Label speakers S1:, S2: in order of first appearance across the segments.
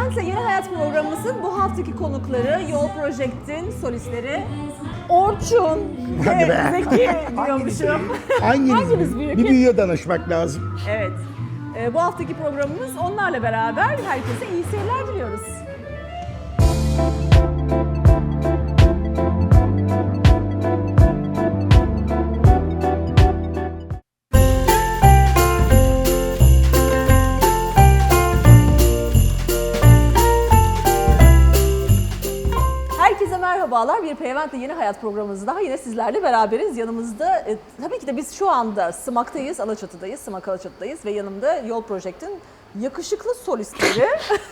S1: Peyvent'le Yeni Hayat programımızın bu haftaki konukları Yol Project'in solistleri Orçun
S2: Hadi
S1: ve
S2: be.
S1: Zeki diyormuşum. Hangimiz büyük?
S2: Bir büyüğe danışmak lazım.
S1: Evet. Bu haftaki programımız onlarla beraber herkese iyi seyirler diliyoruz. Herkese merhabalar. Bir Peyvent'le Yeni Hayat programımızda daha yine sizlerle beraberiz. Yanımızda tabii ki de biz şu anda Sımak'tayız, Alaçatı'dayız, Sımak Alaçatı'dayız ve yanımda Yol Project'in yakışıklı solistleri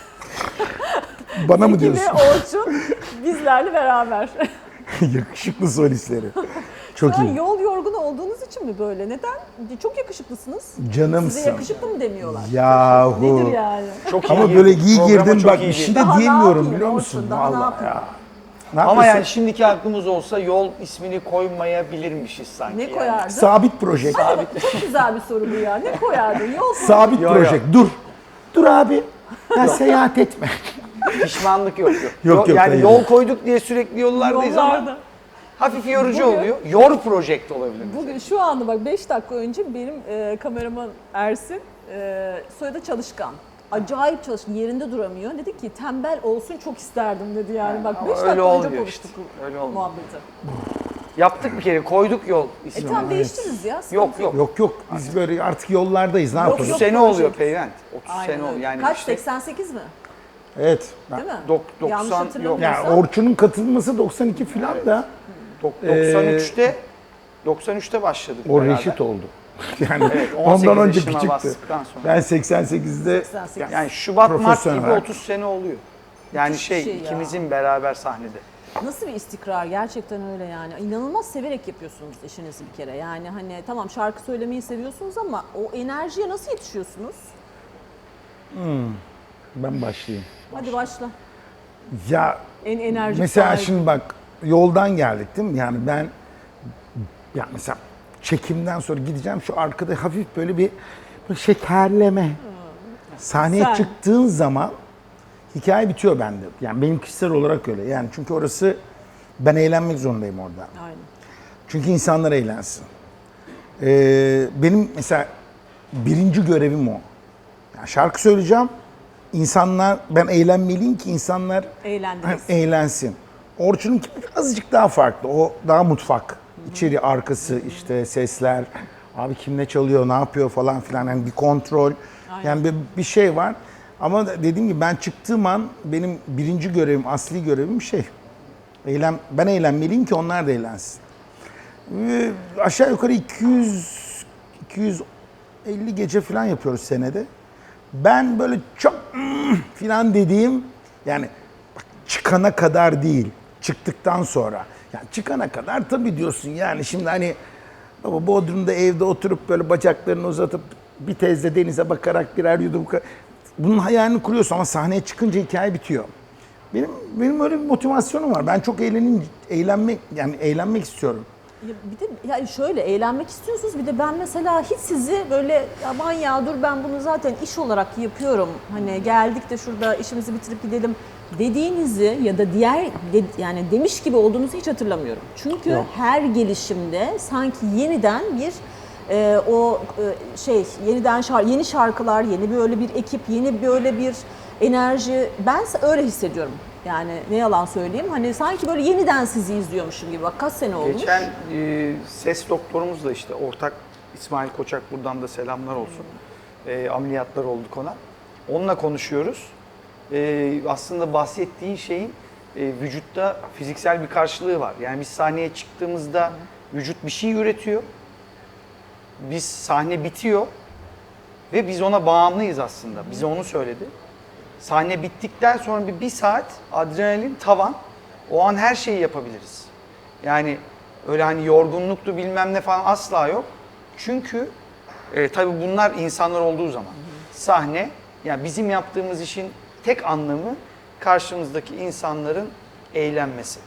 S2: Bana mı
S1: Zeki ve
S2: diyorsun?
S1: Orçun bizlerle beraber.
S2: Yakışıklı solistleri.
S1: Şu
S2: Çok
S1: an
S2: iyi.
S1: yol yorgunu olduğunuz için mi böyle? Neden? Çok yakışıklısınız.
S2: Canımsın.
S1: Size yakışıklı mı demiyorlar?
S2: Yahu.
S1: Nedir yani?
S3: Çok
S2: Ama
S3: iyi
S2: böyle
S3: girdik.
S2: iyi
S3: Programa
S2: girdin
S3: çok
S2: bak
S3: iyi
S2: bir şey
S3: girdik.
S2: de
S1: Daha ne
S2: diyemiyorum
S1: yapayım
S2: biliyor
S1: Orçun,
S2: musun?
S1: daha ne
S2: Vallahi
S1: yapayım?
S2: ya. Ne
S3: Ama
S2: yapıyorsun?
S3: yani şimdiki aklımız olsa yol ismini koymayabilirmişiz sanki.
S1: Ne
S3: yani.
S1: koyardın?
S2: Sabit proje.
S1: Hadi bak, çok güzel bir soru bu ya. Ne koyardın? Yol
S2: Sabit
S3: Yo,
S2: proje.
S3: yo.
S2: Dur. Dur abi. Ya seyahat etme.
S3: Pişmanlık yok.
S2: Yok,
S3: Yani
S2: hayır.
S3: yol koyduk diye sürekli yollardayız
S1: Yollarda.
S3: ama hafif yorucu
S1: Bugün-
S3: oluyor. Yor project olabilir.
S1: Bugün şu anda bak 5 dakika önce benim kameraman Ersin soyadı Çalışkan. Acayip çalışkan, yerinde duramıyor. Dedi ki tembel olsun çok isterdim dedi yani. Bak
S3: Ama
S1: 5
S3: öyle
S1: dakika önce
S3: olmuyor
S1: konuştuk
S3: işte, öyle olmuyor.
S1: muhabbeti.
S3: Yaptık bir kere, koyduk yol ismini.
S1: Tamam değiştiririz ya.
S3: Yok yok.
S2: Yok yok. Biz böyle artık yollardayız. Ne
S1: Yok,
S3: 30
S2: yapalım?
S1: yok.
S3: sene
S1: project.
S3: oluyor Peyvent. 30
S1: Aynen
S3: sene
S1: öyle.
S3: oluyor. Yani
S1: Kaç?
S3: işte
S1: 88 mi?
S2: Evet.
S1: Değil mi?
S3: Yanlış
S1: Yanlış
S3: yok.
S2: Ya
S1: hatırlamıyorsam.
S2: Orçun'un katılması 92 falan da
S3: 93'te başladık.
S2: o
S3: beraber.
S2: reşit oldu. Yani
S3: Evet, 18
S2: ondan önce
S3: yaşıma
S2: küçüktü.
S3: bastıktan sonra.
S2: Ben 88'de
S1: 88.
S3: Yani Şubat, Mart
S2: Profesyonel
S3: gibi
S2: olarak.
S3: 30 sene oluyor. Yani
S1: Müthiş bir şey ya.
S3: ikimizin beraber sahnede.
S1: Nasıl bir istikrar gerçekten öyle yani. İnanılmaz severek yapıyorsunuz işinizi bir kere. Yani hani tamam şarkı söylemeyi seviyorsunuz ama o enerjiye nasıl yetişiyorsunuz?
S2: ben başlayayım.
S1: Hadi başla.
S2: Ya
S1: En enerjik
S2: mesela
S1: sahibi.
S2: şimdi bak yoldan geldik değil mi? Yani ben ya mesela çekimden sonra gideceğim şu arkada hafif böyle bir şekerleme. Sahneye
S1: Sen.
S2: çıktığın zaman hikaye bitiyor bende. Yani benim kişisel olarak öyle. Yani çünkü orası ben eğlenmek zorundayım orada.
S1: Aynen.
S2: Çünkü insanlar eğlensin. Benim mesela birinci görevim o. Yani şarkı söyleyeceğim. İnsanlar, ben eğlenmeliyim ki insanlar
S1: Eğlendiniz.
S2: eğlensin. Orçun'unki azıcık daha farklı. O daha mutfak. İçeri, arkası, işte sesler. Abi kim ne çalıyor, ne yapıyor falan filan. Yani bir kontrol. Yani bir şey var. Ama dediğim gibi ben çıktığım an benim birinci görevim, asli görevim ben eğlenmeliyim ki onlar da eğlensin. Aşağı yukarı 250 gece falan yapıyoruz senede. Ben böyle çok falan dediğim yani bak, çıkana kadar değil, çıktıktan sonra. Yani çıkana kadar tabii diyorsun yani şimdi hani baba Bodrum'da evde oturup böyle bacaklarını uzatıp bir tezde denize bakarak birer yudum bunun hayalini kuruyorsun ama sahneye çıkınca hikaye bitiyor. Benim öyle bir motivasyonum var. Ben çok eğlenmek istiyorum.
S1: Ya bir de yani şöyle eğlenmek istiyorsunuz bir de ben mesela hiç sizi böyle aman ya dur ben bunu zaten iş olarak yapıyorum. Hani geldik de şurada işimizi bitirip gidelim dediğinizi ya da yani demiş gibi olduğunuzu hiç hatırlamıyorum. Çünkü
S2: Yok.
S1: her gelişimde sanki yeniden bir yeni şarkılar, yeni böyle bir ekip, yeni böyle bir enerji. Ben öyle hissediyorum. Yani ne yalan söyleyeyim. Hani sanki böyle yeniden sizi izliyormuşum gibi. Bak kaç sene olmuş.
S3: Geçen ses doktorumuzla işte ortak İsmail Koçak buradan da selamlar olsun. Ameliyatlar olduk ona. Onunla konuşuyoruz. Aslında bahsettiğin şeyin vücutta fiziksel bir karşılığı var. Yani biz sahneye çıktığımızda vücut bir şey üretiyor. Biz sahne bitiyor ve biz ona bağımlıyız aslında. Bize onu söyledi. Sahne bittikten sonra bir saat adrenalin tavan. O an her şeyi yapabiliriz. Yani öyle hani yorgunluktu bilmem ne falan asla yok. Çünkü tabii bunlar insanlar olduğu zaman. Sahne yani bizim yaptığımız işin tek anlamı karşımızdaki insanların eğlenmesi.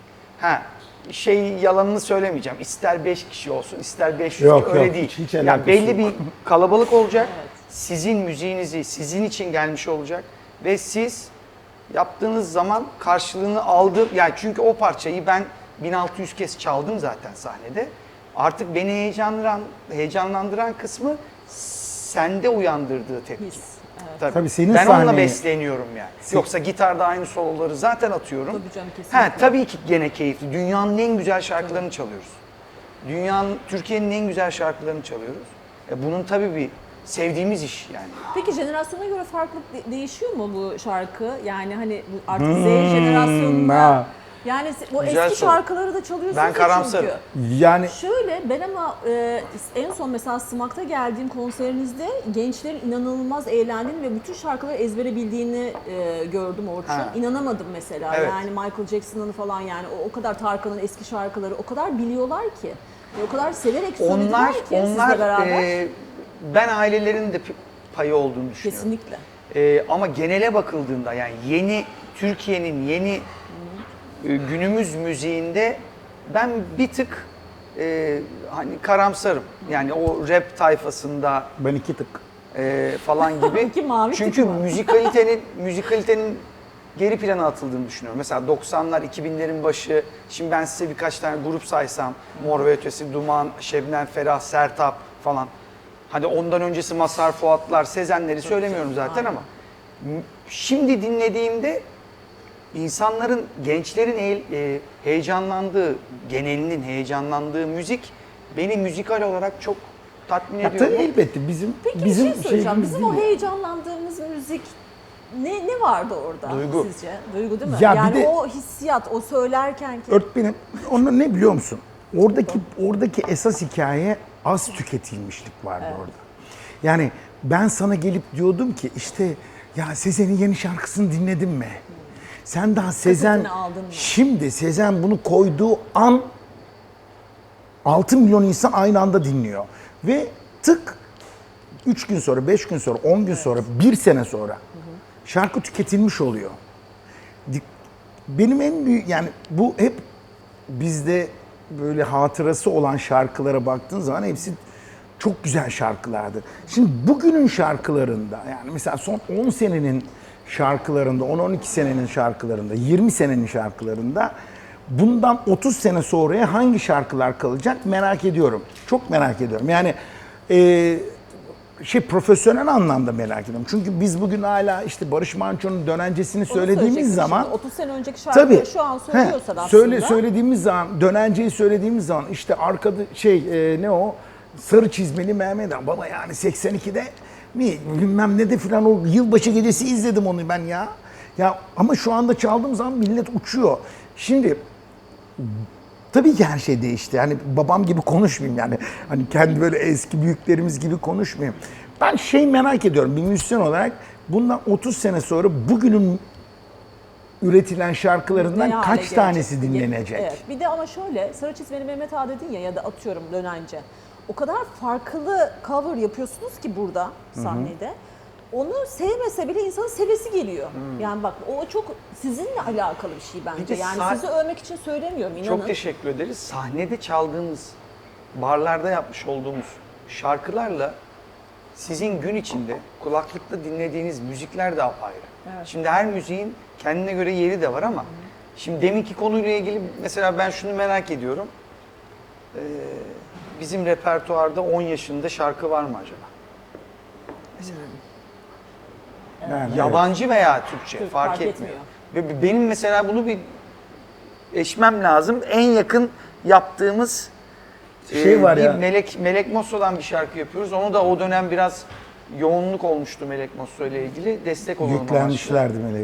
S3: Yalanını söylemeyeceğim. İster 5 kişi olsun, ister 500
S2: Yok,
S3: öyle
S2: yok,
S3: değil.
S2: hiç
S3: Yani
S2: alakası
S3: belli
S2: yok.
S3: bir kalabalık olacak. Sizin müziğinizi sizin için gelmiş olacak ve siz yaptığınız zaman karşılığını aldı. Yani çünkü o parçayı ben 1600 kez çaldım zaten sahnede. Artık beni heyecanlandıran kısmı sende uyandırdığı tepki.
S1: His, evet.
S3: Tabii.
S2: Tabii senin
S3: ben onunla
S2: sahneyi-
S3: besleniyorum yani. Yoksa gitarda aynı soloları zaten atıyorum.
S1: Tabii canım, kesinlikle.
S3: Tabii ki gene keyifli. Dünyanın en güzel şarkılarını çalıyoruz. Türkiye'nin en güzel şarkılarını çalıyoruz. Bunun tabii bir sevdiğimiz iş yani.
S1: Peki jenerasyona göre farklılık değişiyor mu bu şarkı? Yani hani bu artık Z jenerasyonunda
S2: ha.
S1: yani o
S3: Güzel
S1: eski
S3: soru.
S1: şarkıları da çalıyorsunuz
S3: Ben
S1: ya
S3: karamsarım.
S1: çünkü.
S2: Yani
S1: Şöyle ben ama en son mesela Smak'ta geldiğim konserinizde gençlerin inanılmaz eğlendiğini ve bütün şarkıları ezbere bildiğini gördüm Orçun.
S3: Ha.
S1: İnanamadım mesela.
S3: Evet.
S1: Yani Michael Jackson'ın falan yani o kadar Tarkan'ın eski şarkıları o kadar biliyorlar ki. Ve o kadar severek söylediler ki sizle beraber.
S3: Ben ailelerin de payı olduğunu düşünüyorum.
S1: Kesinlikle.
S3: Ama genele bakıldığında yani Türkiye'nin yeni günümüz müziğinde ben bir tık hani karamsarım. Yani o rap tayfasında
S2: ben 2 tık.
S3: falan gibi.
S1: İki mavi tık
S3: Çünkü
S1: mı?
S3: müzikalitenin geri plana atıldığını düşünüyorum. Mesela 90'lar, 2000'lerin başı, şimdi ben size birkaç tane grup saysam, Mor ve Ötesi, Duman, Şebnem Ferah, Sertab falan. Hadi ondan öncesi Mazhar Fuatlar, Sezenleri söylemiyorum zaten ama şimdi dinlediğimde insanların, gençlerin heyecanlandığı, genelinin heyecanlandığı müzik beni müzikal olarak çok tatmin
S2: Ya
S3: ediyor.
S2: tabii elbette bizim
S1: Peki
S2: bizim
S1: bir şey söyleyeceğim.
S2: şeyimiz
S1: Bizim o
S2: değil.
S1: heyecanlandığımız müzik ne vardı orada
S3: Duygu.
S1: sizce? Duygu değil mi?
S2: Ya bir
S1: yani
S2: de-
S1: o hissiyat, o söylerken ki
S2: Öğretmenim, onu ne biliyor musun? Oradaki esas hikaye az tüketilmişlik vardı orada. Yani ben sana gelip diyordum ki işte ya Sezen'in yeni şarkısını dinledin mi? Sen daha Sezen,
S1: aldın mı?
S2: şimdi Sezen bunu koyduğu an 6 milyon insan aynı anda dinliyor. Ve tık 3 gün sonra, 5 gün sonra, 10 gün sonra, 1 sene sonra şarkı tüketilmiş oluyor. Benim en büyük yani bu hep bizde böyle hatırası olan şarkılara baktığın zaman hepsi çok güzel şarkılardı. Şimdi bugünün şarkılarında yani mesela son 10 senenin şarkılarında, 10-12 senenin şarkılarında, 20 senenin şarkılarında bundan 30 sene sonraya hangi şarkılar kalacak merak ediyorum. Çok merak ediyorum. Yani profesyonel anlamda merak ediyorum. Çünkü biz bugün hala işte Barış Manço'nun Dönencesini
S1: onu
S2: söylediğimiz
S1: söyleyecektim
S2: zaman
S1: şimdi. 30 sene önceki şarkıları şu an söylüyorsan aslında.
S2: söylediğimiz zaman, Dönence'yi söylediğimiz zaman işte arkada ne o? Sarı çizmeli Mehmet Han. Baba yani 82'de bilmem ne de filan o yılbaşı gecesi izledim onu ben ya. Ya ama şu anda çaldığım zaman millet uçuyor. Şimdi tabii ki her şey değişti. Yani babam gibi konuşmayayım yani. Hani kendi böyle eski büyüklerimiz gibi konuşmayayım. Ben merak ediyorum bir müzisyen olarak bundan 30 sene sonra bugünün üretilen şarkılarından
S1: Ne hale
S2: kaç
S1: gelecek?
S2: tanesi dinlenecek?
S1: Evet. Bir de ama şöyle Sarı Çizmeli Mehmet Ağa dedin ya da atıyorum Dönence. O kadar farklı cover yapıyorsunuz ki burada sahnede. Onu sevmese bile insanın sevesi geliyor. Yani bak o çok sizinle alakalı bir şey
S3: Bir
S1: bence.
S3: de
S1: Yani sizi övmek için söylemiyorum inanın.
S3: Çok teşekkür ederiz. Sahnede çaldığımız, barlarda yapmış olduğumuz şarkılarla sizin gün içinde kulaklıkla dinlediğiniz müzikler de apayrı.
S1: Evet.
S3: Şimdi her müziğin kendine göre yeri de var ama şimdi deminki konuyla ilgili mesela ben şunu merak ediyorum. Bizim repertuarda 10 yaşında şarkı var mı acaba?
S2: Yani
S3: Yabancı veya Türkçe
S1: Türk,
S3: fark
S1: fark
S3: etmiyor. Ve benim mesela bunu bir eşmem lazım. En yakın yaptığımız
S2: var
S3: bir
S2: ya.
S3: Melek Mosso'dan bir şarkı yapıyoruz. Onu da o dönem biraz yoğunluk olmuştu Melek Mosso ile ilgili. Destek olalım amaçlı.
S2: Yüklenmişlerdi Melek.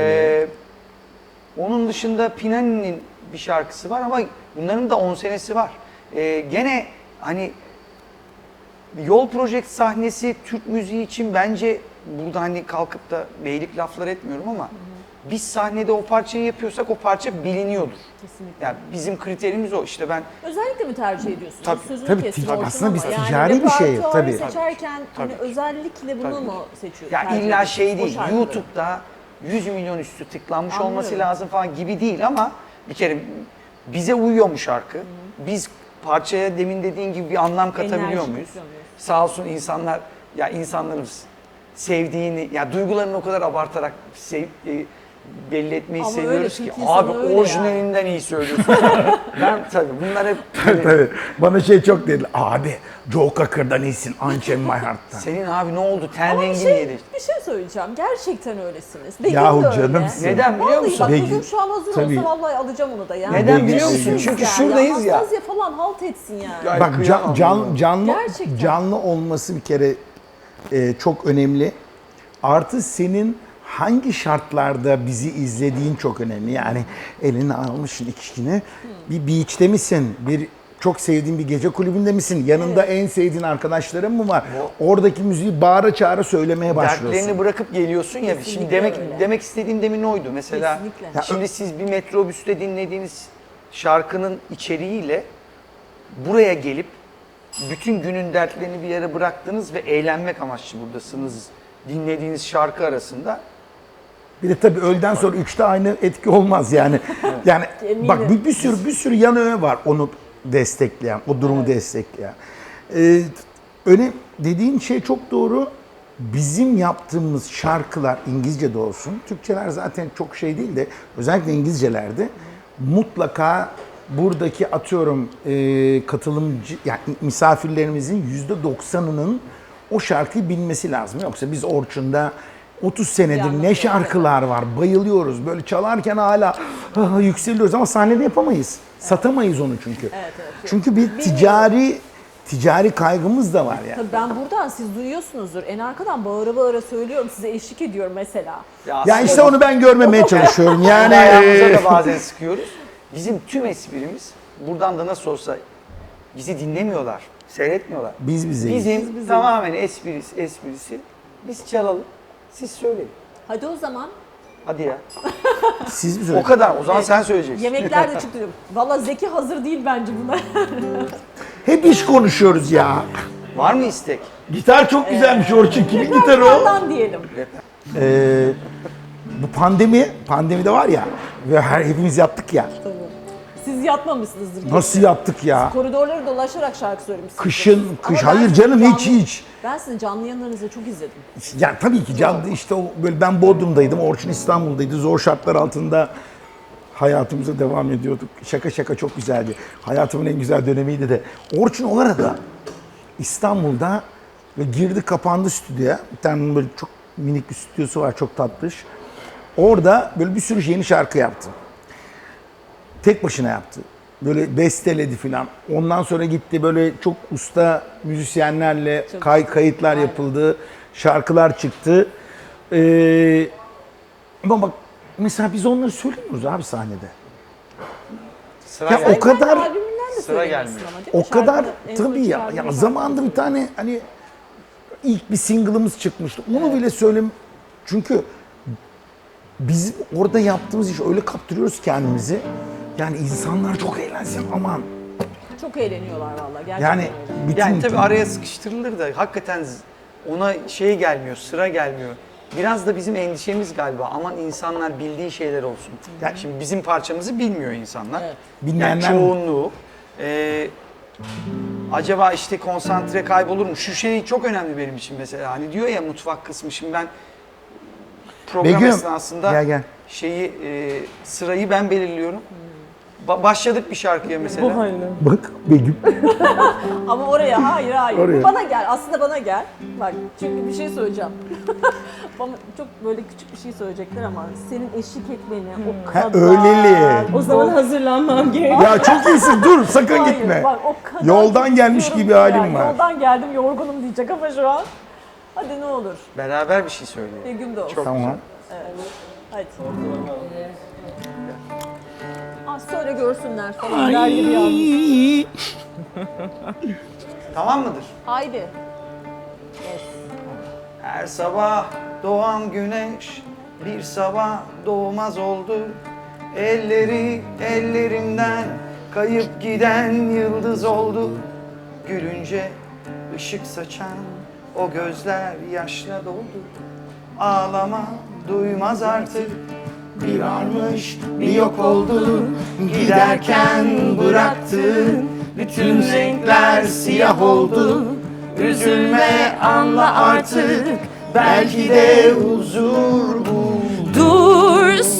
S3: Onun dışında Pinani'nin bir şarkısı var ama bunların da 10 senesi var. Gene hani Yol Project sahnesi Türk müziği için bence burada hani kalkıp da beylik laflar etmiyorum ama biz sahnede o parçayı yapıyorsak o parça biliniyordur.
S1: Kesinlikle.
S3: Yani bizim kriterimiz o. İşte ben
S1: Özellikle mi tercih ediyorsunuz?
S3: Tabii,
S1: Sözünü
S2: tabii,
S1: kestim
S2: tabii.
S1: Orçun
S2: Aslında biz
S1: ama
S2: ticari bir şey,
S1: repertuarı
S2: tabii.
S1: seçerken hani
S3: Tabii.
S1: özellikle bunu
S3: Tabii.
S1: mu seçiyorsunuz?
S3: ya
S1: tercih
S3: illa
S1: ediyorsunuz
S3: şey
S1: o
S3: değil.
S1: şarkıları?
S3: YouTube'da 100 milyon üstü tıklanmış
S1: Anlıyorum.
S3: olması lazım falan gibi değil ama bir kere bize uyuyor mu şarkı? Biz parçaya demin dediğin gibi bir anlam katabiliyor
S1: Enerji
S3: muyuz?
S1: katıyor muyuz?
S3: Sağ olsun insanlarımız sevdiğini, ya duygularını o kadar abartarak belli etmeyi
S1: Ama
S3: seviyoruz
S1: öyle,
S3: ki
S1: Türk insanı
S3: abi
S1: öyle
S3: orijinalinden iyi söylüyorsun. Ben tabii bunlar hep
S2: Tabii. Bana şey çok dedi. Abi Joe Cocker'dan iyisin. Unchained My Heart'tan.
S3: senin abi ne oldu ten
S1: Ama
S3: rengin
S1: şey,
S3: yedi.
S1: bir şey söyleyeceğim. Gerçekten öylesiniz. Begüm
S2: Yahu
S1: de öyle.
S2: canımsın.
S3: Neden biliyor
S1: Vallahi
S3: musun?
S1: bak
S2: Begüm,
S1: Begüm şu an hazır
S2: tabii.
S1: olsa vallahi alacağım onu da yani.
S3: Neden biliyor
S2: Begüm,
S3: musun?
S2: Begüm.
S3: Çünkü
S1: Yani
S3: şuradayız ya.
S1: Anastasya falan halt etsin yani.
S3: Ya
S2: Bak
S3: kıyamam ya.
S1: Gerçekten.
S2: canlı olması bir kere çok önemli. Artı senin hangi şartlarda bizi izlediğin çok önemli. Yani eline almışsın içkini. Bir beach'te misin? Bir çok sevdiğin bir gece kulübünde misin? Yanında en sevdiğin arkadaşların mı var? Oradaki müziği bağıra çağıra söylemeye başlıyorsun.
S3: Dertlerini bırakıp geliyorsun ya.
S1: Kesinlikle
S3: Şimdi
S1: öyle.
S3: demek istediğim demin oydu. Mesela
S1: Kesinlikle.
S3: şimdi siz bir metrobüste dinlediğiniz şarkının içeriğiyle buraya gelip bütün günün dertlerini bir yere bıraktınız ve eğlenmek amaçlı buradasınız. Dinlediğiniz şarkı arasında
S2: Bir de tabii öğleden sonra 3'te aynı etki olmaz yani. Yani
S1: Eminim.
S2: bak bir sürü yan öğe var onu destekleyen, o durumu destekleyen. Öyle dediğin şey çok doğru. Bizim yaptığımız şarkılar İngilizce de olsun, Türkçeler zaten çok şey değil de özellikle İngilizcelerde mutlaka buradaki atıyorum katılımcı yani misafirlerimizin %90'ının o şarkıyı bilmesi lazım. Yoksa biz Orçun'da 30 senedir
S1: anlamda
S2: ne şarkılar var, bayılıyoruz. Böyle çalarken hala yükseliyoruz ama sahnede yapamayız. Satamayız onu çünkü.
S1: Evet.
S2: Çünkü bir ticari kaygımız da var yani.
S1: Tabii ben buradan siz duyuyorsunuzdur. En arkadan bağıra bağıra söylüyorum. Size eşlik ediyorum mesela.
S2: Ya
S3: aslında
S2: işte onu ben görmemeye çalışıyorum. Yani
S3: ayağımıza da bazen sıkıyoruz. Bizim tüm esprimiz buradan da nasıl olsa bizi dinlemiyorlar, seyretmiyorlar.
S2: biz bizeyiz.
S3: Bizim tamamen esprisi biz çalalım, siz söyleyin.
S1: Hadi o zaman.
S3: Hadi ya.
S2: Siz bize.
S3: O kadar. O zaman sen söyleyeceksin.
S1: Yemekler de çıktı. Valla Zeki hazır değil bence buna.
S2: Hep iş konuşuyoruz ya.
S3: Var mı istek?
S2: Gitar çok güzelmiş Orçun. Kimin gitarı o?
S1: Ondan diyelim.
S2: Bu pandemide var ya ve hepimiz yaptık ya.
S1: Tabii. Siz yatmamışsınızdır.
S2: Nasıl yaptık ya?
S1: Koridorları dolaşarak şarkı söylemişsiniz.
S2: Kış
S1: Ama ben
S2: hayır
S1: sizin
S2: canım
S1: canlı-
S2: hiç.
S1: Ben sizin canlı yayınlarınızı çok izledim.
S2: Yani tabii ki canlı işte o böyle ben Bodrum'daydım, Orçun İstanbul'daydı. Zor şartlar altında hayatımıza devam ediyorduk. Şaka çok güzeldi. Hayatımın en güzel dönemiydi de. Orçun o arada İstanbul'da ve girdi kapandı stüdyoya. Bir tane böyle çok minik bir stüdyosu var, çok tatlış. Orada böyle bir sürü yeni şarkı yaptı. Tek başına yaptı. Böyle besteledi filan. Ondan sonra gitti böyle çok usta müzisyenlerle kayıtlar yapıldı. Şarkılar çıktı. Ama bak mesela biz onları söylemiyoruz abi sahnede.
S3: Sıra
S2: Ya
S3: geldi.
S2: o kadar
S1: Albümünden de
S3: Sıra
S1: söylemişsin
S3: gelmiyor.
S1: ama değil mi?
S2: o kadar
S1: Şarkıda en son
S2: tabii ya.
S1: çıkardığın
S2: Ya
S1: şarkı.
S2: zamanında bir tane hani ilk bir single'ımız çıkmıştı. Onu bile söyleyeyim. Çünkü biz orada yaptığımız iş öyle kaptırıyoruz kendimizi. Yani insanlar çok eğlensin aman.
S1: Çok eğleniyorlar valla. Gerçekten
S2: Yani
S1: öyle.
S2: bütün
S3: Yani tabii araya sıkıştırılır da hakikaten ona şey gelmiyor, sıra gelmiyor. Biraz da bizim endişemiz galiba. Aman insanlar bildiği şeyler olsun. Yani şimdi bizim parçamızı bilmiyor insanlar.
S1: Evet.
S2: Bilmeyenler
S3: Yani çoğunluğu. Acaba işte konsantre kaybolur mu? Şu şey çok önemli benim için mesela. Hani diyor ya mutfak kısmı. Şimdi ben program
S2: Begüm,
S3: esnasında
S2: gel.
S3: sırayı ben belirliyorum. Başladık bir şarkıya mesela.
S2: Bak Begüm.
S1: Ama oraya hayır.
S2: Oraya.
S1: Bu bana gel. Aslında bana gel. Bak çünkü bir şey söyleyeceğim. Bana çok böyle küçük bir şey söyleyecekler ama senin eşlik etmeni o
S2: Ha,
S1: kadar...
S2: öyleli.
S4: O zaman hazırlanmam gerekiyor.
S2: Ya çok iyisin dur sakın
S1: Hayır,
S2: gitme.
S1: bak, o kadar
S2: Yoldan gelmiş
S1: istiyorum
S2: gibi
S1: ki
S2: halim
S1: yani.
S2: var.
S1: Yoldan geldim yorgunum diyecek ama şu an. Hadi ne olur.
S3: Beraber bir şey söyleyelim.
S1: Bir gün de olsun.
S3: Çok
S2: Tamam.
S1: Hadi. Söyle görsünler falan der gibi yalnız.
S3: Tamam mıdır?
S1: Haydi. Yes.
S3: Her sabah doğan güneş bir sabah doğmaz oldu. Elleri ellerimden kayıp giden yıldız oldu. Gülünce ışık saçan o gözler yaşla doldu. Ağlama duymaz artık. Bir varmış bir yok oldu. Giderken bıraktın bütün renkler siyah oldu. Üzülme anla artık belki de huzur bul.
S4: Dur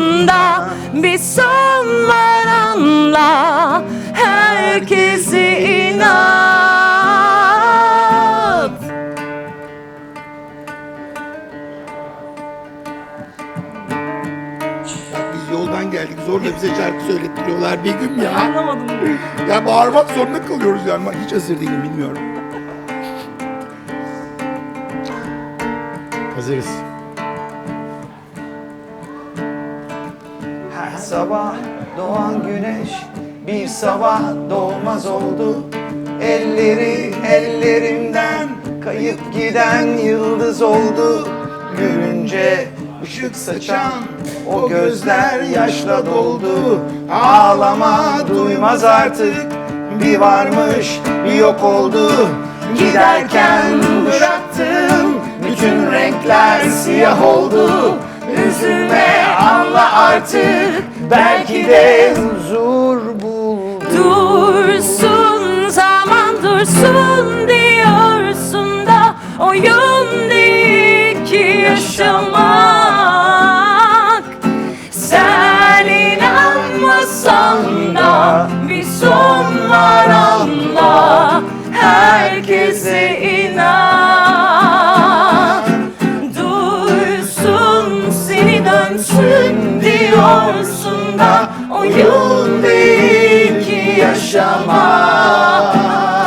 S4: Yorsun'da bir son var anla, herkese inat.
S2: Biz yoldan geldik, zorla bize şarkı söylettiriyorlar bir gün ya.
S1: Anlamadım.
S2: Ya bağırmak zorunda kalıyoruz yani. Ben hiç hazır değilim, bilmiyorum. Hazırız.
S3: Her sabah doğan güneş bir sabah doğmaz oldu. Elleri ellerimden kayıp giden yıldız oldu. Gülünce ışık saçan o gözler yaşla doldu. Ağlama duymaz artık, bir varmış bir yok oldu. Giderken bıraktım bütün renkler siyah oldu. Üzülme anla artık, belki de huzur bul.
S4: Dursun zaman dursun diyorsun da oyun değil ki yaşamak. Sen inanmasan da bir son var anla, herkese inan. Duysun seni dönsün diyorsun da oyun değil ki yaşamak.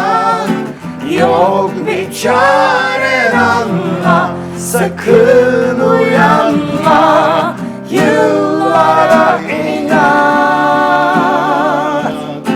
S4: Yok bir çaren anla, sakın uyanma, yıllara inan.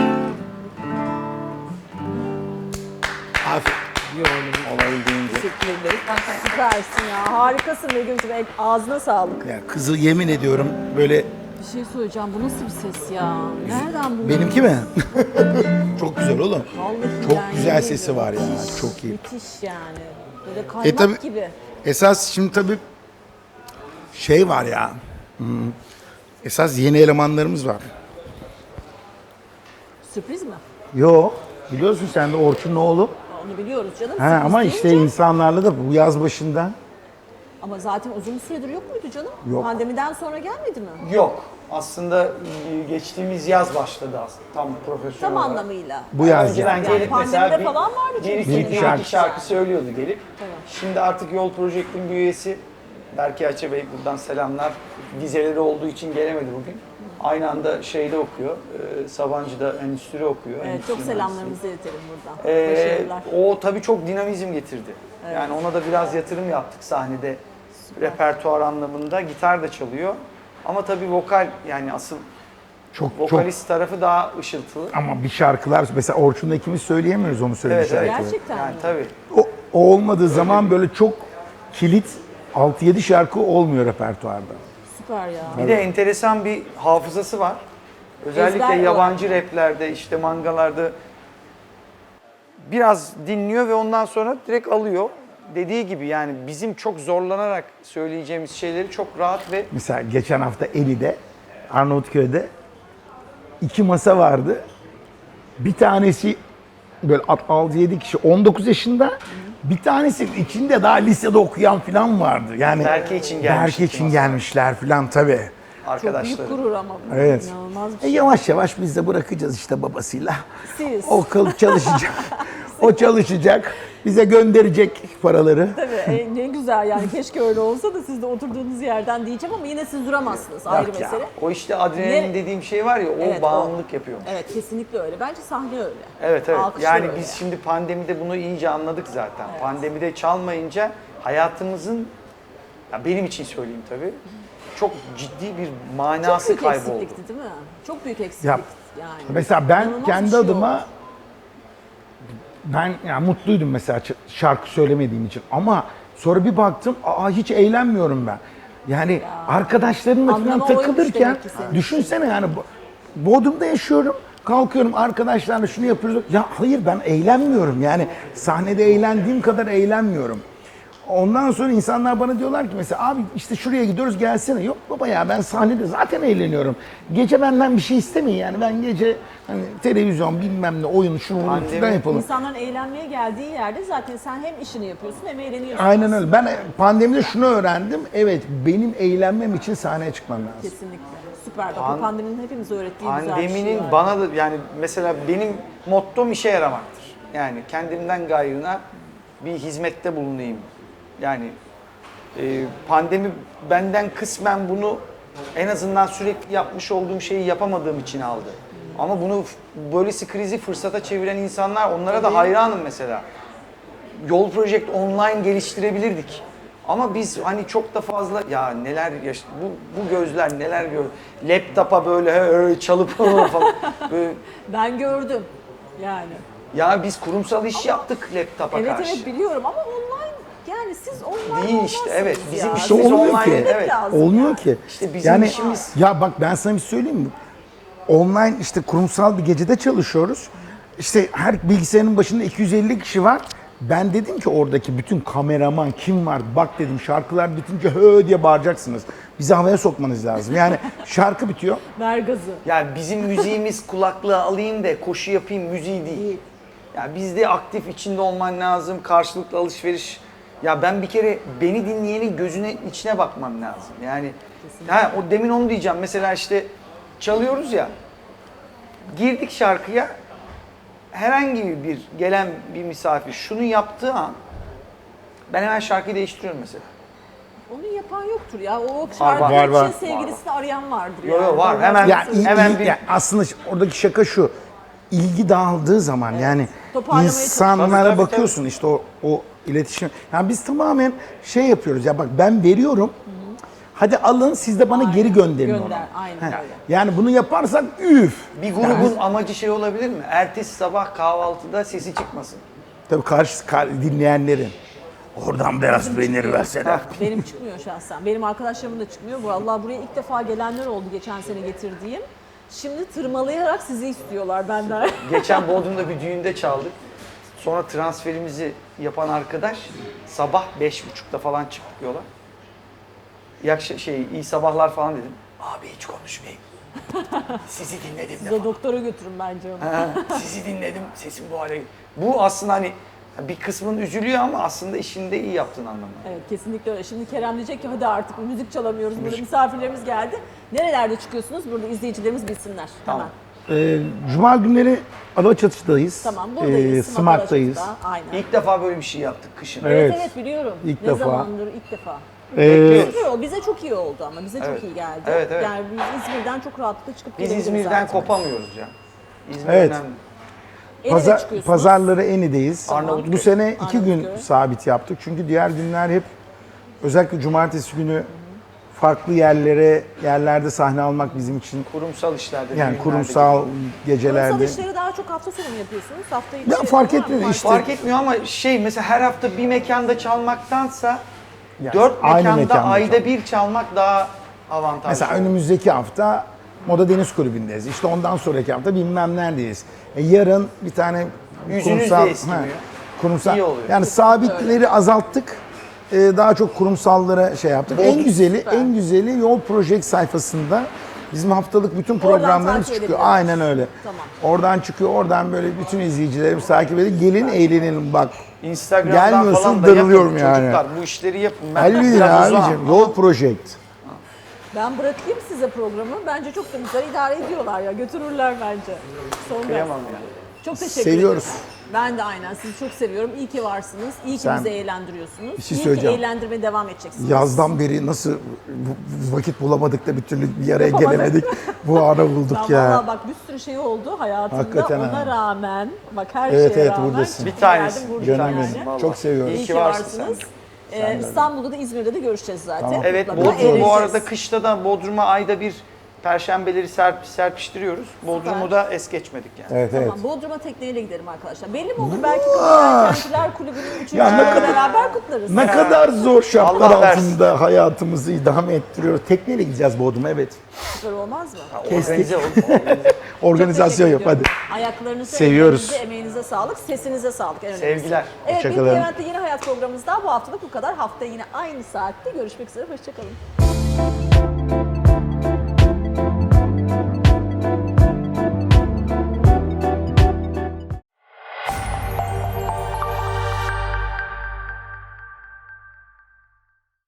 S3: Olabildiğince.
S1: Teşekkür ederim. Süpersin ya. Harikasın Begüm'cüğüm. Ağzına sağlık.
S2: Ya kızı yemin ediyorum böyle,
S1: Bir şey söyleyeceğim. Bu nasıl bir ses ya? Nereden buldun?
S2: benimki mi? Çok güzel oğlum.
S1: Vallahi
S2: Çok
S1: yani
S2: güzel
S1: yemin
S2: sesi
S1: ediyorum.
S2: var ya. Çok iyi.
S1: Müthiş yani. Böyle kaymak
S2: tabii-
S1: gibi.
S2: Esas şimdi tabii şey var ya. Esas yeni elemanlarımız var.
S1: Sürpriz mi?
S2: Yo, biliyorsun sen de Orçun'un oğlu.
S1: Onu biliyoruz canım.
S2: Ha,
S1: Sürpriz
S2: ama
S1: deyince-
S2: işte insanlarla da bu yaz başında
S1: Ama zaten uzun süredir yok muydu canım?
S2: Yok.
S1: Pandemiden sonra gelmedi mi?
S3: Yok. Aslında geçtiğimiz yaz başladı aslında tam profesyonel
S1: Tam
S3: olarak.
S1: anlamıyla.
S2: bu yaz
S3: Önceden
S2: yani.
S3: gelip mesela
S1: pandemide falan vardı çünkü
S3: bir
S1: senin
S3: iki
S2: şarkı.
S3: şarkı söylüyordu gelip.
S1: Evet.
S3: Şimdi artık Yol Project'in bir üyesi Berke Açı Bey, buradan selamlar. Vizeleri olduğu için gelemedi bugün. Aynı anda şeyde okuyor, Sabancı'da endüstri okuyor.
S1: Evet,
S3: endüstri
S1: çok selamlarımızı iletelim buradan.
S3: mühendisliği.
S1: Başarılar.
S3: O tabii çok dinamizm getirdi. Yani ona da biraz yatırım yaptık sahnede. Repertuar anlamında gitar da çalıyor. Ama tabii vokal, yani asıl
S2: Çok çok
S3: vokalist tarafı daha ışıltılı.
S2: ama bir şarkılar mesela Orçun'la ikimiz söyleyemiyoruz onu söylediği
S3: Evet, evet.
S2: şarkıları.
S1: Gerçekten
S3: Yani
S1: mi?
S3: tabii.
S2: O olmadığı zaman böyle çok kilit 6-7 şarkı olmuyor repertuarda.
S1: Süper ya.
S3: Bir de enteresan bir hafızası var. Özellikle
S1: Ezber
S3: yabancı raplerde, işte mangalarda biraz dinliyor ve ondan sonra direkt alıyor. Dediği gibi yani bizim çok zorlanarak söyleyeceğimiz şeyleri çok rahat ve
S2: Mesela geçen hafta Eli'de, Arnavutköy'de 2 masa vardı. Bir tanesi böyle 6-7 kişi 19 yaşında. Bir tanesi içinde daha lisede okuyan falan vardı. Yani
S3: Berke için gelmiş
S2: Berke
S3: iki
S2: için
S3: masa.
S2: gelmişler falan tabii.
S1: Çok
S3: arkadaşları.
S1: büyük gurur ama bu.
S2: Evet.
S1: İnanılmaz bir
S2: E
S1: şey.
S2: yavaş yavaş biz de bırakacağız işte babasıyla.
S1: Siz.
S2: O çalışacak. O çalışacak. Bize gönderecek paraları.
S1: Tabii ne güzel yani keşke öyle olsa da siz de oturduğunuz yerden diyeceğim ama yine siz duramazsınız ayrı
S2: Yok ya.
S1: mesele.
S3: O işte adrenalin
S1: Ne-
S3: dediğim şey var ya, o
S1: Evet,
S3: bağımlılık yapıyor.
S1: Evet kesinlikle öyle. Bence sahne öyle.
S3: Evet evet.
S1: Alkışlar
S3: Yani
S1: öyle.
S3: biz şimdi pandemide bunu iyice anladık zaten. Pandemide çalmayınca hayatımızın, ya benim için söyleyeyim tabii, çok ciddi bir
S1: Çok
S3: manası
S1: büyük
S3: kayboldu.
S1: eksiklikti değil mi? Çok büyük eksiklik
S2: Ya,
S1: yani.
S2: Mesela ben
S1: İnanılmaz bir
S2: kendi
S1: şey
S2: adıma
S1: oldu.
S2: ben yani mutluydum mesela şarkı söylemediğim için ama sonra bir baktım hiç eğlenmiyorum ben. Yani arkadaşlarımla falan
S1: Anlamı oymuş
S2: takılırken
S1: demek ki senin.
S2: düşünsene yani Bodrum'da yaşıyorum. Kalkıyorum arkadaşlarla şunu yapıyoruz. Ya hayır ben eğlenmiyorum yani sahnede eğlendiğim kadar eğlenmiyorum. Ondan sonra insanlar bana diyorlar ki mesela abi işte şuraya gidiyoruz gelsene. Yok baba ya ben sahnede zaten eğleniyorum. Gece benden bir şey istemeyin yani ben gece hani televizyon bilmem ne oyun şunu bunu
S3: Pandemi-
S2: falan yapalım.
S1: İnsanların eğlenmeye geldiği yerde zaten sen hem işini yapıyorsun hem eğleniyorsun.
S2: Aynen öyle. Ben pandemide şunu öğrendim. Evet benim eğlenmem için sahneye çıkmam lazım.
S1: Kesinlikle. Süper. Bak bu pandeminin hepimize öğrettiği güzel bir
S3: Pandeminin
S1: şey var.
S3: bana da yani mesela benim mottom işe yaramaktır. Yani kendimden gayrına bir hizmette bulunayım. Yani pandemi benden kısmen bunu en azından sürekli yapmış olduğum şeyi yapamadığım için aldı. Ama bunu böylesi krizi fırsata çeviren insanlar onlara da hayranım mesela. Yol Project online geliştirebilirdik. Ama biz hani çok da fazla ya neler bu gözler neler gör. Laptopa böyle çalıp falan böyle.
S1: Ben gördüm yani.
S3: Ya biz kurumsal iş yaptık laptopa
S1: Evet
S3: karşı.
S1: evet biliyorum ama online yani siz online
S3: Değil işte,
S1: olmazsınız
S3: evet. Bizim
S1: ya.
S3: işimiz
S2: İşte olmuyor
S3: online,
S2: ki.
S3: evet.
S1: Lazım
S2: Olmuyor
S1: yani.
S2: ki.
S3: İşte bizim
S2: yani,
S3: işimiz-
S2: Ya bak ben sana bir söyleyeyim mi? Online işte kurumsal bir gecede çalışıyoruz. İşte her bilgisayarın başında 250 kişi var. Ben dedim ki oradaki bütün kameraman kim var bak dedim şarkılar bitince hö diye bağıracaksınız. Bizi havaya sokmanız lazım. Yani şarkı bitiyor.
S1: Ver gazı.
S3: Yani bizim müziğimiz kulaklığı alayım da koşu yapayım müziği değil. Ya bizde aktif içinde olman lazım, karşılıklı alışveriş. Ya ben bir kere beni dinleyenin gözüne içine bakmam lazım. Yani o demin onu diyeceğim. Mesela işte çalıyoruz ya. Girdik şarkıya. Herhangi bir gelen bir misafir şunu yaptığı an ben hemen şarkıyı değiştiriyorum mesela.
S1: Onu yapan yoktur ya. O
S3: Var,
S1: şarkı
S2: var, var.
S1: için sevgilisini arayan vardır
S3: Yo, yo,
S1: yani.
S3: var. Hemen-
S2: Ya,
S3: Hemen bir-
S2: ya aslında oradaki şaka şu. İlgi dağıldığı zaman yani
S1: Toparlamaya
S2: insanlara
S3: çalışıyoruz. Tabii,
S2: bakıyorsun işte o iletişim. Yani biz tamamen şey yapıyoruz ya bak ben veriyorum. Hadi alın siz de bana geri gönderin onu.
S1: Gönder, aynen
S2: He.
S1: öyle.
S2: Yani bunu yaparsak üf.
S3: Bir grubun amacı şey olabilir mi? Ertesi sabah kahvaltıda sesi çıkmasın.
S2: Tabii dinleyenlerin. Oradan biraz peynir versene.
S1: Benim çıkmıyor şahsen. Benim arkadaşlarımın da çıkmıyor. Vallahi buraya ilk defa gelenler oldu geçen sene getirdiğim. Şimdi tırmalayarak sizi istiyorlar benden.
S3: Geçen Bodrum'da bir düğünde çaldık. Sonra transferimizi yapan arkadaş sabah 5.30'da falan çıktık yola. İyi sabahlar falan dedim. Abi hiç konuşmayayım. Sizi dinledim de
S1: Size
S3: falan.
S1: doktora götürün bence onu.
S3: Ha, sizi dinledim, sesim bu hale. Bu aslında hani bir kısmın üzülüyor ama aslında işini de iyi yaptığın anlamına.
S1: Evet kesinlikle öyle. Şimdi Kerem diyecek ki hadi artık müzik çalamıyoruz. Burada misafirlerimiz geldi. Nerelerde çıkıyorsunuz? Burada izleyicilerimiz bilsinler.
S3: Tamam.
S1: Hemen.
S2: Cuma günleri Alaçatı'dayız.
S1: Tamam buradayız.
S2: Smak'tayız.
S1: Alaçatı'da. Aynen.
S3: İlk defa böyle bir şey yaptık kışın.
S1: Evet
S2: Evet.
S1: evet biliyorum.
S2: İlk
S1: ne
S2: defa.
S1: zamandır ilk defa.
S3: Bekliyoruz.
S1: Süper oldu. Bize çok iyi oldu ama. Bize
S3: Evet.
S1: çok iyi geldi.
S3: Evet, evet.
S1: Yani biz İzmir'den çok rahatlıkla çıkıp
S3: Biz
S1: gelebiliriz
S3: İzmir'den
S1: zaten.
S3: kopamıyoruz ya. İzmir
S2: Evet.
S3: önemli.
S1: Ereğli'de çıkıyorsunuz.
S2: Pazarları Eni'deyiz.
S3: Arnavutköy.
S2: Bu sene 2 gün
S1: Arnavutköy.
S2: sabit yaptık. Çünkü diğer günler hep özellikle cumartesi günü farklı yerlerde sahne almak bizim için
S3: Kurumsal işlerde.
S2: yani
S3: düğünlerde
S2: kurumsal
S3: gibi.
S2: gecelerde.
S1: Kurumsal işleri daha çok hafta sonu mu yapıyorsunuz? Hafta içi
S2: Ya fark
S1: var mı?
S2: etmiyor işte.
S3: Fark etmiyor ama mesela her hafta bir mekanda çalmaktansa
S2: Yani
S3: 4
S2: aynı
S3: mekanda
S2: mekanda
S3: ayda
S2: çalmak.
S3: bir çalmak daha avantajlı.
S2: Mesela önümüzdeki hafta Moda Deniz Kulübü'ndeyiz. İşte ondan sonraki hafta bilmem neredeyiz. Yarın bir tane
S3: Yüzünüz de eskimiyor.
S2: kurumsal.
S3: İyi oluyor.
S2: Yani sabitleri azalttık. Daha çok kurumsallara şey yaptık. En güzeli Yol Project sayfasında bizim haftalık bütün programlarımız
S1: takip
S2: çıkıyor.
S1: edebiliriz.
S2: Aynen öyle.
S1: Tamam.
S2: Oradan çıkıyor. Oradan böyle bütün izleyicilerimiz takip edip gelin eğlenelim bak.
S3: Instagram'dan
S2: Gelmiyorsun,
S3: falan da
S2: darılıyorum
S3: yapın
S2: yani.
S3: çocuklar. Bu işleri yapın. Ben
S2: Halledin
S3: biraz uzağım
S2: abicim.
S3: ama
S2: Yol Project.
S1: Ben bırakayım size programı. Bence çok da güzel idare ediyorlar ya. Götürürler bence. Son ders.
S3: kıyamam ya.
S1: Çok teşekkür
S2: Seviyoruz.
S1: ederim. Ben de aynen sizi çok seviyorum. İyi ki varsınız. İyi ki
S2: Sen-
S1: bizi eğlendiriyorsunuz.
S2: Bir şey
S1: İyi ki
S2: söyleyeceğim.
S1: eğlendirmeye devam edeceksiniz.
S2: Yazdan beri nasıl vakit bulamadık da bir türlü bir araya gelemedik. Bu ara bulduk
S1: Ben
S2: ya.
S1: valla bak bir sürü şey oldu hayatımda.
S2: Hakikaten
S1: Ona
S2: ha.
S1: rağmen bak her
S2: Evet,
S1: şeye
S2: evet,
S1: rağmen
S2: buradasın.
S3: Bir
S1: geldim,
S3: tanesi,
S1: buradayım
S2: Canım
S3: yani.
S2: benim.
S3: Vallahi.
S2: Çok seviyorum.
S1: İyi
S3: İyi
S1: ki
S3: ki varsın
S1: varsınız. İstanbul'da da İzmir'de de görüşeceğiz zaten.
S3: Evet,
S1: Mutlaka
S3: Bodrum bu
S1: eğleneceğiz.
S3: arada kışta da Bodrum'a ayda bir Perşembeleri serpiştiriyoruz. Bodrum'u da es geçmedik yani.
S2: Evet, evet.
S1: Tamam, Bodrum'a tekneyle gidelim arkadaşlar. Belli mi olur? Belki Kentliler Kulübü'nün 3.
S2: Ya ne
S1: yılını
S2: kadar-
S1: beraber kutlarız.
S2: Ne kadar zor şartlar
S3: Allah versin.
S2: altında hayatımızı idame ettiriyor. Tekneyle gideceğiz Bodrum'a, evet.
S1: Süper olmaz mı?
S3: Organize olun.
S2: Organizasyon yap hadi.
S1: Ayaklarınıza,
S2: Seviyoruz.
S1: ellerinize, emeğinize sağlık, sesinize sağlık. En önemlisi.
S3: Sevgiler.
S1: Evet, Bitti
S2: Hoşçakalın.
S1: Levent'te Yeni Hayat programımızda bu haftalık bu kadar. Haftaya yine aynı saatte görüşmek üzere. Hoşçakalın.